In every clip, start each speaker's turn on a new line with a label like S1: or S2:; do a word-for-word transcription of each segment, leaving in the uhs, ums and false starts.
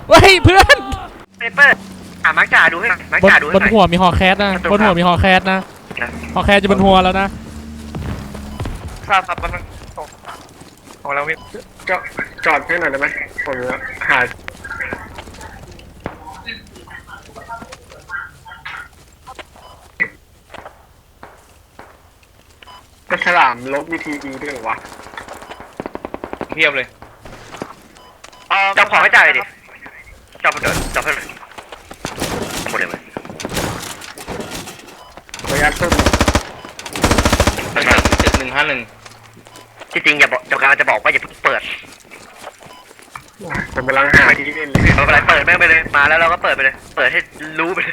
S1: เฮ้ยเพื่อน
S2: เปเปอร์อ่ะมักจ่าดูให้มักจ่าดูให้
S1: บนหัวมีฮอแคสนะบนหัวมีฮอแคสนะฮอแคสจะบนหัวแล้วนะ
S2: ทราบครับมันของเราจอดจอดให้หน่อยได้ไหมผมหาก็ฉลามลบวิธีดีด้วยหรอวะเทียบเลยจับของให้จ่ายดิจับเดินจับให้เลยหมดเลยไหมขออนุญาตตุ้มจุดหนึ่งห้าหนึ่งจริงๆอย่าบอกเดี๋ยวกำลังจะบอกว่าอย่าเพิ่งเปิดผมกำลังหาที่เล่นเลยเรากำลังเปิดแม่งไปเลยมาแล้วเราก็เปิดไปเลยเปิดให้รู้ไปเลย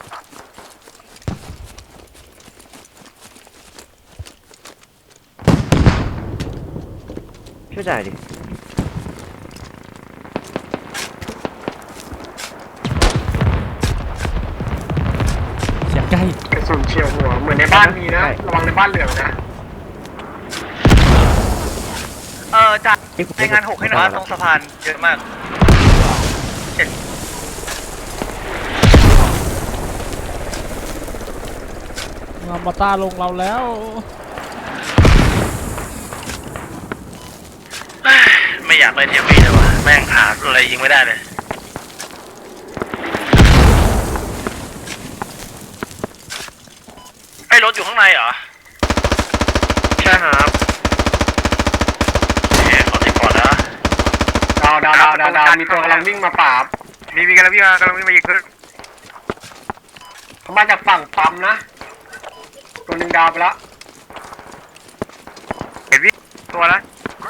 S2: ช่วยจ่ายดิ
S1: เสียงใกล้
S2: กระสุนเฉียวหัวเหมือนในบ้านมีนะระวังในบ้านเหลืองนะเออจ่ายในงานหกให้หน่อยตรงสะพานเยอะมาก
S1: งามาต้าลงเราแล้ว
S3: ไม่อยากไปเทียบวีเลยวะแม่งหาอะไรยิงไม่ได้เลยไอ้รถอยู่ข้างในเหรอ
S2: ใช่ครับ
S3: เฮ้ยขอติดก่อนนะ
S2: ดาวดาวดาวดาวดาวมีตัวกำลังวิ่งมาปราบมีมีกำลังวิ่งมากำลังวิ่งมายิงขึ้นเขามาจากฝั่งปั๊มนะตัวหนึ่งดาวไปแล้วเห็นวิ่งตัวแล้ว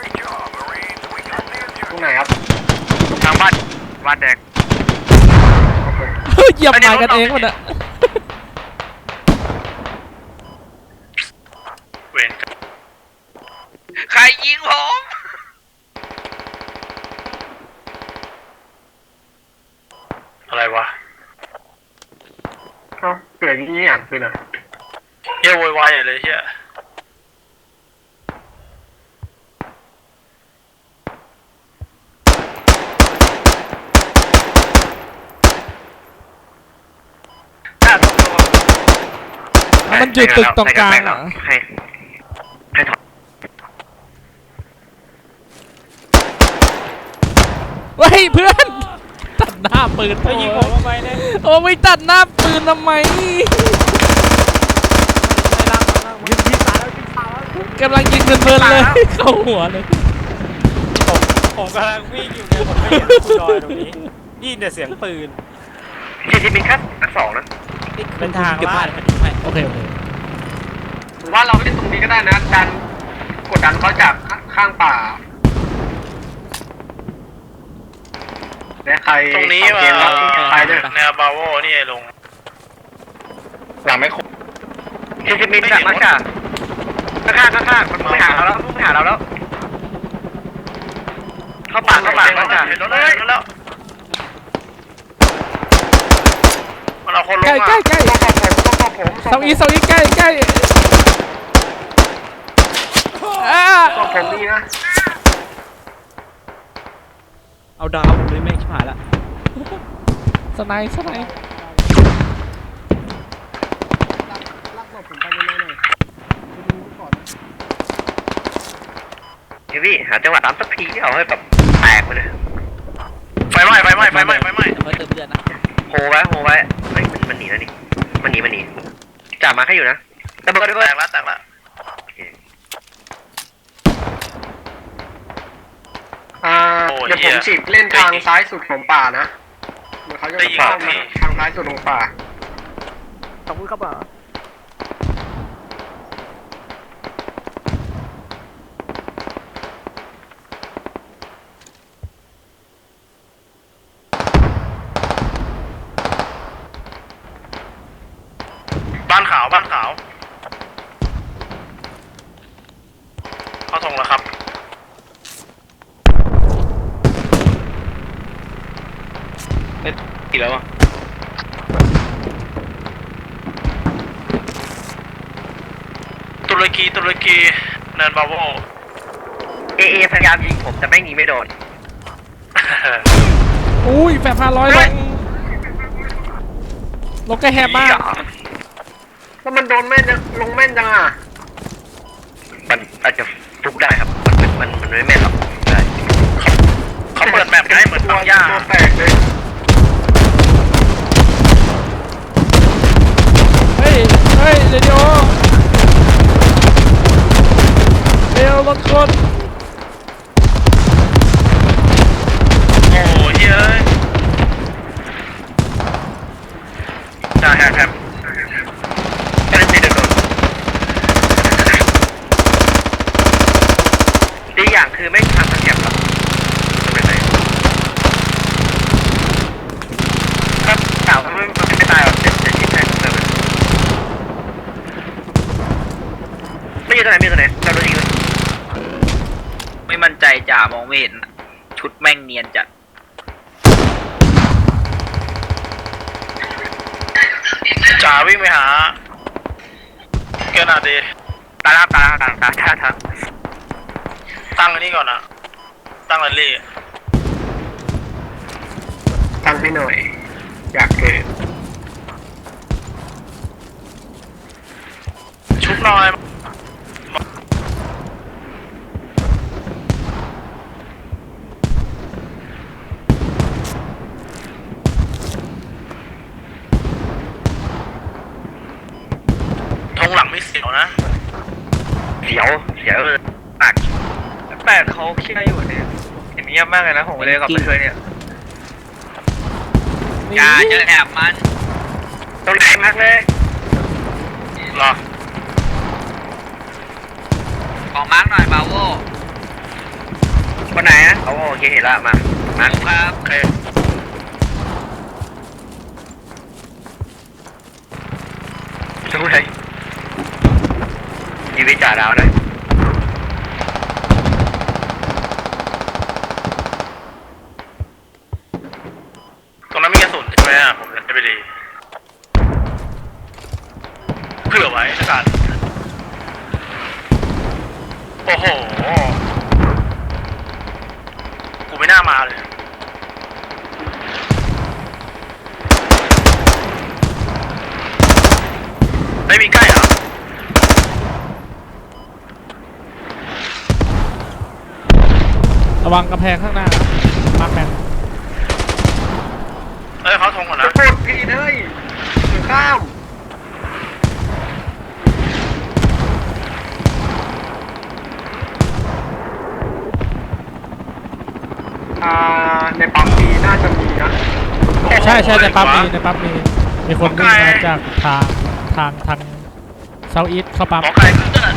S2: ตรงไหนครับทางบ้านบ้านแดง
S1: เหยียบไม้กันเองหมดอะ
S3: เวนใครยิงผมอะไรวะ
S2: เอ้าเกิดอย่างนี้อย่างคือน่ะ
S3: เฮ้ยโวยวายเลยเฮีย
S1: มันจุดตึกตรงกลางอ่ะ
S2: ให้ให้ถอด
S1: เฮ้ยเพื่อนตัดหน้าปืนยิงผมทำไมเนี่ยโอ้ไม่ตัดหน้าปืนทำไมกำลังยิงเพลินๆเลยเข้าหัวเลย
S4: ผมผมกำลังวิ่งอยู่เนี่ยผมไม่เห็นคุณลอยตรงนี้นี่เนี่ยเสียงปืน
S2: จริงๆเป็นแค่อันสองนะ
S4: เป็นทางลาด
S1: โอเคโอเค
S2: ผมว่าเราไม่ได้ตรงนี้ก็ได้นะดันกดดันเขาจากข้างป่าและใคร
S3: ตรงนี้ว่า
S2: ใครด้วย
S3: แนวบาโวนี่ลง
S2: หลังไม่ครบจริงๆมีจากมาจากข้างๆข้างๆมันไม่หาเราแล้วไม่หาเราแล้วเข้าป่าเข้าป่าเข้าป่า
S3: เห็นรถแล้วเห็นรถแล้วมันเอาคนลง
S1: ใกล้ใกล้ใกล้เสาอีเสาอีใกล้ใกล้อ่า
S2: ตัวผมนี่นะ
S4: เอาดาวผมเลยแม่งชิบหายละ
S1: สไนส์สไนส์
S2: ลักหลบผมไปเรื่อยๆหน่อยดูก่อนเฮ้ยพี่หาจังหวะตามสักทีที่เอาให้แบบแตกไปเลย
S3: ไฟไหม้ไฟไหม้ไฟไหม้ไฟไหม้
S4: เติมเดือนนะ
S2: โหไว้โหไว้เฮ้ยมันหนีแล้วนี่มันหนีมันหนีจ่ามาแค่อยู่นะแต่บอกด้วย
S3: แตกละแตกละ
S2: อ่าเดี๋ยวผมฉีกเล่นทางซ้ายสุดของป่านะเดี๋ยวเขาจะเข้ามาทางซ้ายสุดของป่าขอบคุณครับป่า
S3: บ้านขาวบ้านขาวเข้าทงแล้วครับเอ๊ะกี่แล้วอ่ะตุรกีตุรกีเนินบาโว
S2: เอเอพยายามยิงผมแต่ไม่หนีไม่โดน
S1: อุ้ยแฟร์พาร้อยลงลงแกแหบมาก
S2: แล้วมันโดนแม่นจังลงแม่นจังอ่ะมันอาจจะฟุกได้ครับมันมันมันไม่แม่นหรอกได้
S3: เขาเปิดแบบให้เหมือนปังย่า
S2: ตัวแตกเลย
S1: เฮ้ยเฮ้ยเรดิโอเร็วรถคน
S3: โอ้ยเฮ้ย
S2: ใช่ครับครับแค่นี้เดินโดนดีอย่างคือไม่ทำตะเกียบหรอกไม่เป็นไรครับสาวมันไม่ตายหรอกเจ็บเจ็บที่แทงเลยไม่อยู่ตรงไหนไม่อยู่ตรงไหนเราโดนยิงเลย
S5: ไม่มั่นใจจ่ามองไม่เห็นอะชุดแม่งเนียนจัด
S3: จ่าวิ่งไปหาเกินอาดี
S2: ตายแล้วตายแล้วตายแล้วตายแล้วตายแล้ว
S3: ตั้งอันนี้ก่อนนะตั้งแรลลี่
S2: ตั้งให้หน่อยอยากเกิด
S3: ชุบหน่อยทงหลังไม่เสียวนะ
S2: เสียวเสียวเลยปากแปดเขาเครียดอยู่เนี่ยเห็นเงียบมากเลยนะผมเลยกับเพื่อนเนี่ย
S5: อย่าจะแอบมัน
S2: ต้องแรงมากเลย
S3: รอ
S5: ขอมาร์กหน่อยบาโว
S2: คนไหนอ่ะเขาโอเคเห็นละมามา
S5: ผมครับ
S3: โอเค
S2: สู้เลยยีวิจ่าดาวเลย
S3: ตรงนั้นมีกระสุนใช่ไหมอ่ะผมจะไปดีเผื่อไว้ละกันโอ้โหกูไม่น่ามาเลยไม่มีใกล้เหรอ
S1: ระวังกระแพงข้างหน้ามาร์คแมน
S3: เอ้ยเขาทงก่อน
S2: จะ
S3: นะ
S2: พูดพี่เลยข้ามอ่าในปั๊มมีน่าจะมีนะ
S1: ใช่ใช่ในปั๊มมีในปั๊มมีมีคนวิ่งมาจากทางทางทางเซาท์อีสต์เข้าปั๊ม
S3: หมอไก่ขึ้นเต้น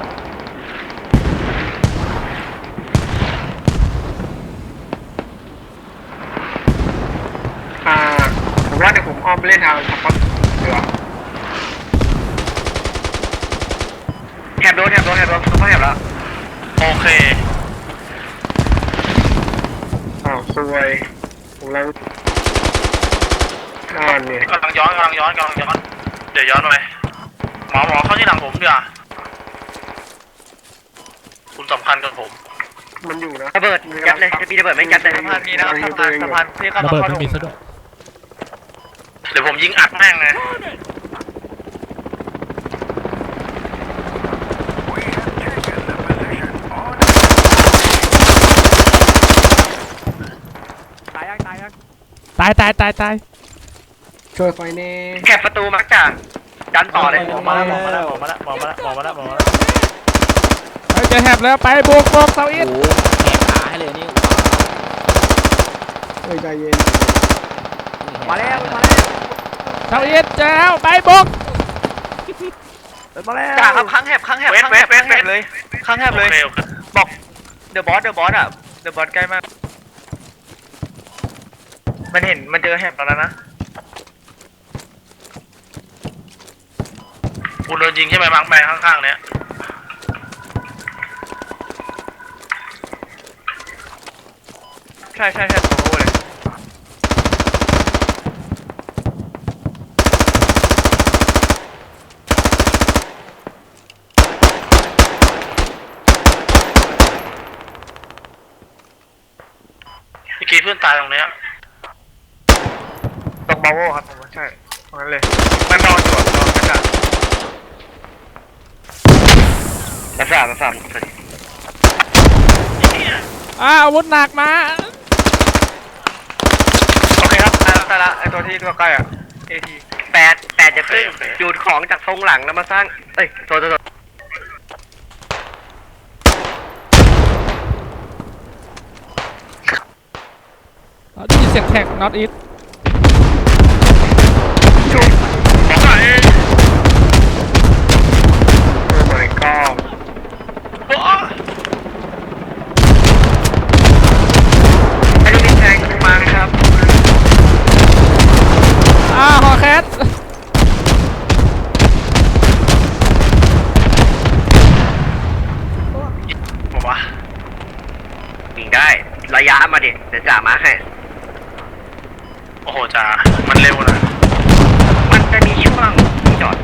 S2: อ่าผมว่าเดี๋ยวผมอ้อมไปเล่นทางทับปั๊มเดี๋ยวแถบโดนแถบโดนแถบโดนเขาแถบแล้ว
S3: โอเค
S2: อ้าวสวยผมแล้วนั่นเนี่ย
S3: กำลังย้อนกำลังย้อนกำลังย้อนเดี๋ยวย้อนไปหมอหมอเข้าที่หลังผมดีกว่าคุณสำคัญกับผม
S2: มันอยู่นะระเบิดยัดเลยจะมีระเบิดไม่ยัดเลยสะพานมีนะสะพานสะพานที่เข้า
S1: ระ
S2: มา
S1: เบิด
S2: เข้า
S1: ไม่มีซะด้วย
S3: เดี๋ยวผมยิงอัดแม่งเลย
S1: ตายตายตายตาย
S2: ช่วยไฟเน่แคบประตูมักจ่าดันต่อเลย
S4: หมอมาแล้วหมอมาแล้วหมอมาแล้วหมอมาแล้วหมอมาแล้ว
S1: เฮ้ยจะแหบแล้วไปบุกบุกเซาท์อีสต์
S5: แหกขาให้เลยนี่
S2: เฮ้ยใจเย็น
S5: มาแล้วมาแล้ว
S1: เซาท์อีสต์เจ้าไปบุก
S5: มาแล้ว
S2: จ่าครับข้างแหบข้างแหบข้างแหบข้างแหบเลยข้างแหบ
S3: โอ
S2: เลย
S3: เคโอเค
S2: บอกเดอะบอสเดอะบอสอ่ะเดอะบอสใกล้มากมันเห็นมันเจอแหบแล้วนะ
S3: คุณโดนยิงใช่ไหมมังแบงข้างๆเนี้ย
S2: ใช่ใช่ใช่ผมรู้เลย
S3: เมื่อกี้เพื่อนตายตรงเนี้ย
S2: าโวครับผมว่าใช่ตรงนั้นเลยมันนอนอยู่นอนกระจาดกระจาดกระจาด
S1: อ้าวอาวุธหนักมา
S2: โอเคครับตายละตายละไอตัวที่ตัวใกล้อ่ะเอทีแปดแปดจะขึ้นจูดของจากทรงหลังแล้วมาสร้างเอ้ยตัวตัว
S1: อ๋อได้ยินเสียงแท็ก not it
S2: จุดบอกไอ้โอ้ my god ไอ้นี่แทงมาครับ
S1: อ้าวฮอแคท
S3: ผมว่า
S2: ยิงได้ระยะมาดิเดี๋ยวจ่ามาให้
S3: โอ้โหจ่ามันเร็วนะ
S2: มันจะมีช่วงจอด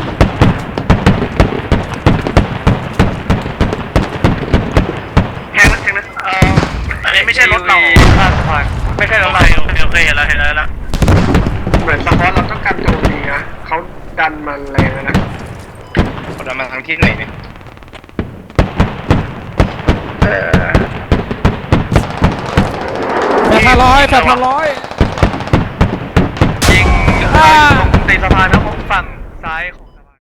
S2: แทงนะแทงนะ
S3: เอออันนี้ไม่ใช่รถเรา
S2: ข้ามสะพานไม่ใช่ร
S3: โอ
S2: ถ
S3: เค
S2: เรา
S3: โอเคโอเคเห็นแล้วเห็นแล้วเห็นแล้ว
S2: เหมือนสปอร์ตเราต้องการโจมตีนะเขาดันมันแรงนะ
S3: เขาดันมาทางที่ไหนเนี่ย
S2: เออ
S1: แปดพันร้อยแปดพันร้อย
S2: ยิง
S1: อ่า
S2: ตรงตีนสะพานนะผมฝั่งซ้าย